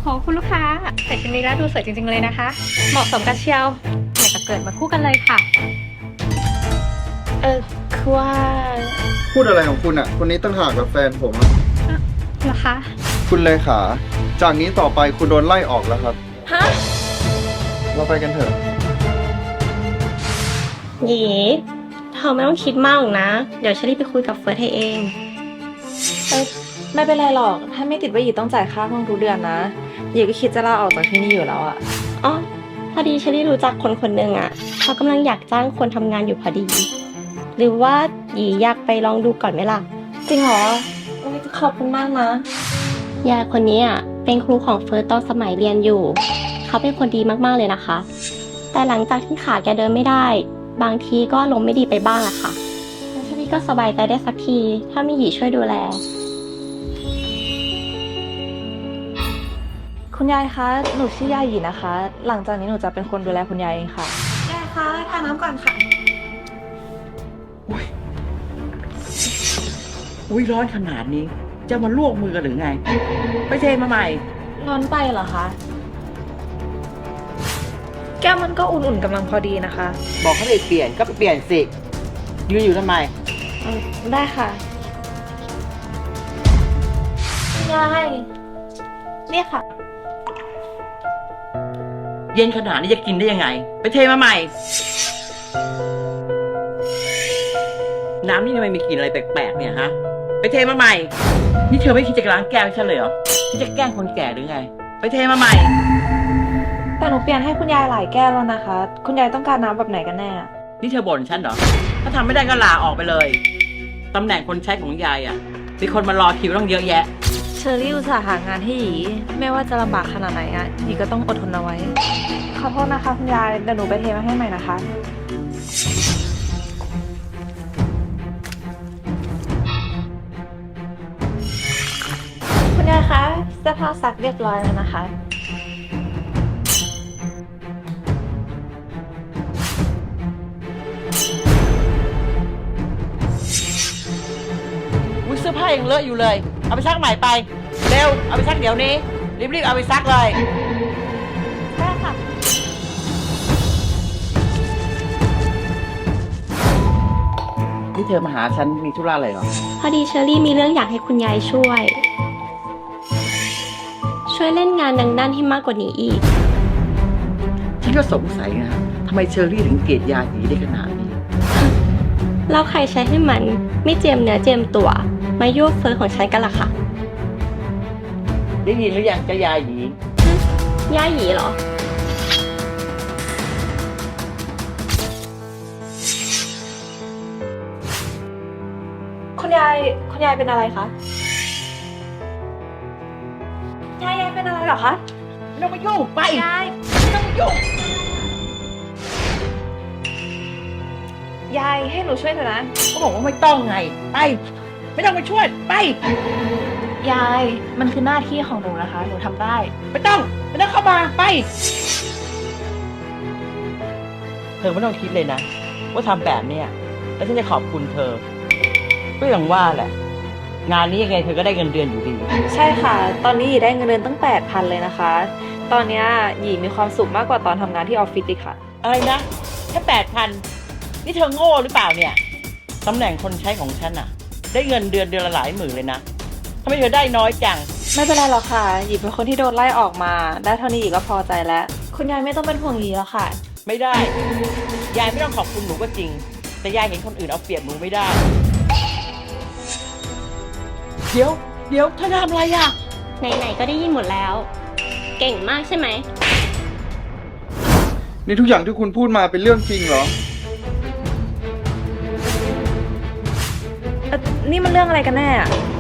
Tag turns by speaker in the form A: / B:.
A: คุณลูกค้าใส่ชุดนี้แล้วดูสวยจริงๆเลยนะคะเหมาะสมกันเชียวอยากจะเกิดมาคู่กันเลยค่ะ
B: คือว่า
C: พูดอะไรของคุณอ่ะคนนี้ตั้งหากกับแฟนผมอะ
A: เหรอคะ
C: คุณเลขาจากนี้ต่อไปคุณโดนไล่ออกแล้วครับ
B: ฮะ
C: เราไปกันเถอะ
B: หยีเธอไม่ต้องคิดมากหรอกนะ เดี๋ยวฉันรีบไปคุยกับเฟิร์สให้เอง
D: ไม่เป็นไรหรอก ถ้าไม่ติดว่าหยีต้องจ่ายค่าห้องทุกเดือนนะหยีก็คิดจะลาออกจากที่นี่อยู่แล้วอะ
B: อ๋อ พอดีฉันได้รู้จักคนคนหนึ่งอะเขากำลังอยากจ้างคนทำงานอยู่พอดี หรือว่าหยีอยากไปลองดูก่อนไหมล่ะ
D: จริงเหรอโอ้ยขอบคุณมากนะ
B: ยายคนนี้อะเป็นครูของเฟิร์สตอนสมัยเรียนอยู่ เขาเป็นคนดีมากๆเลยนะคะ แต่หลังจากที่ขาแกเดินไม่ได้ บางทีก็ลมณ์ไม่ดีไปบ้างอะค่ะแล้วทีนี้ก็สบายใจได้สักที ถ้ามีหยีช่วยดูแล
D: คุณยายคะ หนูชื่อยายหยีนะคะ หลังจากนี้หนูจะเป็นคนดูแลคุณยายเองค่ะยายคะทานน้ำก่อนค่ะ
E: อุ้ยร้อนขนาดนี้ จะมาลวกมือกันหรือไง ไปเทมาใหม่
D: ร้อนไปเหรอคะ แก้วมันก็อุ่นๆกำลังพอดีนะคะ
E: บอกเขาไปเปลี่ยนก็ไปเปลี่ยนสิยืนอยู่ทำไม
D: ได้ค่ะยายเนี่ยค่ะ
E: เย็นขนาดนี้จะกินได้ยังไง ไปเทมาใหม่ น้ำนี่ทำไมมีกลิ่นอะไรแปลกๆเนี่ยฮะ ไปเทมาใหม่ นี่เธอไม่คิดจะล้างแก้วให้ฉันเลยเหรอที่จะแกล้งคนแก่หรือไง ไปเทมาใหม่
D: แต่หนูเปลี่ยนให้คุณยายหลายแก้วแล้วนะคะ คุณยายต้องการน้ำแบบไหนกันแน่
E: นี่เธอบ่นฉันเหรอ ถ้าทำไม่ได้ก็ลาออกไปเลย ตำแหน่งคนใช้ของยายอ่ะ มีคนมารอคิวต้องเยอะแยะ
D: เชอรี่อุตส่าห์หางานให้หยีไม่ว่าจะลำบากขนาดไหนอะหยีก็ต้องอดทนเอาไว้ ขอโทษนะคะคุณยายเดี๋ยวหนูไปเทมาให้ใหม่นะคะ คุณยายคะเสื้อผ้าซักเรียบร้อยแล้วนะคะ
E: อุ้ยเสื้อผ้ายังเลอะอยู่เลย เอาไปซักใหม่ไป เร็ว เอาไปซักเดี๋ยวนี้ รีบๆเอาไปซักเลย
D: ได้ค่ะ
E: นี่เธอมาหาฉันมีธุระอะไรเหรอ
B: พอดีเชอรี่มีเรื่องอยากให้คุณยายช่วย ช่วยเล่นงานดังด้านให้มากกว่านี้อีก
E: ฉันก็สงสัยนะทำไมเชอรี่ถึงเกลียดยาหยีได้ขนาดนี้
B: แล้วใครใช้ให้มันไม่เจียมเนื้อเจียมตัว มายั่วเฟ้อของฉันกันล่ะค่ะ
E: ได้ยินหรือยังจะยาหยี
B: ย่าหยีเหรอ
D: คุณยายเป็นอะไรคะ ยายเป็นอะไรเหรอคะ
E: ไม่ต้องมายุ่งไป
D: ยาย
E: ไม่ต้องมายุ่ง
D: ยายให้หนูช่วยเถอะนะ
E: ก็บอกว่าไม่ต้องไง ไป ไม่ต้องมาช่วย ไป
D: ยายมันคือหน้าที่ของหนูนะคะ หนูทำได้
E: ไม่ต้องเข้ามา ไป เธอไม่ต้องคิดเลยนะ ว่าทำแบบเนี้ยแล้วฉันจะขอบคุณเธอ ก็อย่างว่าแหละ งานนี้ยังไงเธอก็ได้เงินเดือนอยู่ดี
D: ใช่ค่ะ ตอนนี้หยีได้เงินเดือนตั้ง 8,000 เลยนะคะ ตอนเนี้ยหยีมีความสุขมากกว่าตอนทำงานที่ออฟฟิศอีกค่ะ
E: อะไรนะแค่8,000นี่เธอโง่หรือเปล่าเนี่ยตำแหน่งคนใช้ของฉันอะได้เงินเดือนละหลายหมื่นเลยนะทำไมเธอได้น้อยจัง
D: ไม่เป็นไรหรอกค่ะ หยีเป็นคนที่โดนไล่ออกมา ได้เท่านี้หยีก็พอใจแล้ว คุณยายไม่ต้องเป็นห่วงหยีแล้วค่ะ
E: ไม่ได้ ยายไม่ต้องขอบคุณหนูก็จริง แต่ยายเห็นคนอื่นเอาเปรียบหนูไม่ได้ เดี๋ยวเธอทำอะไรอะ
B: ไหนๆก็ได้ยินหมดแล้ว เก่งมากใช่ไหม
C: นี่ทุกอย่างที่คุณพูดมาเป็นเรื่องจริงเหรอ
D: นี่มันเรื่องอะไรกันแน่อะ